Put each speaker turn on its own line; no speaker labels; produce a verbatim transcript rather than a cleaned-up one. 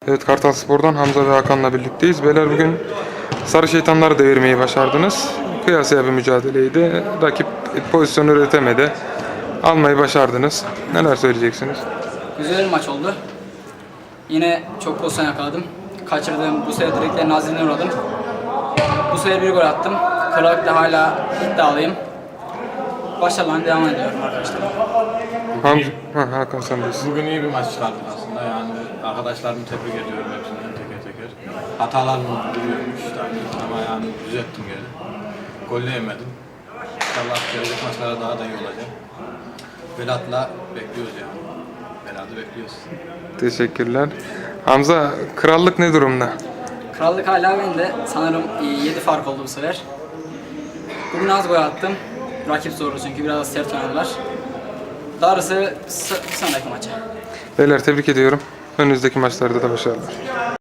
Evet, Kartal Spor'dan Hamza ve Hakan'la birlikteyiz. Beyler, bugün Sarı Şeytanları devirmeyi başardınız. Kıyasıya bir mücadeleydi. Rakip pozisyon üretemedi. Almayı başardınız. Neler söyleyeceksiniz?
Güzel bir maç oldu. Yine çok pozisyon yakaladım. Kaçırdığım bu sefer direklerin azizliğine uğradım. Bu sefer bir gol attım. Kırıkla hala iddialıyım. Başarılarına devam ediyorum arkadaşlar.
Hamza, ha, Hakan sendeyiz.
Bugün iyi bir maç çıkardık aslında, yani arkadaşlarımı tebrik ediyorum hepsinden teker teker. Hatalarım duruyormuş tabii ama yani düzelttim geri. Golleyemedim. İnşallah gelecek maçlara daha da iyi olacak. Belat'la bekliyoruz yani. Belat'ı bekliyoruz.
Teşekkürler. Hamza, krallık ne durumda?
Krallık hala bende. Sanırım yedi fark oldu bu sefer. Bugün az gol attım. Rakip zorlu çünkü biraz sert oynadılar. Darısı bir sonraki maça.
Beyler, tebrik ediyorum. Önünüzdeki maçlarda da başarılar.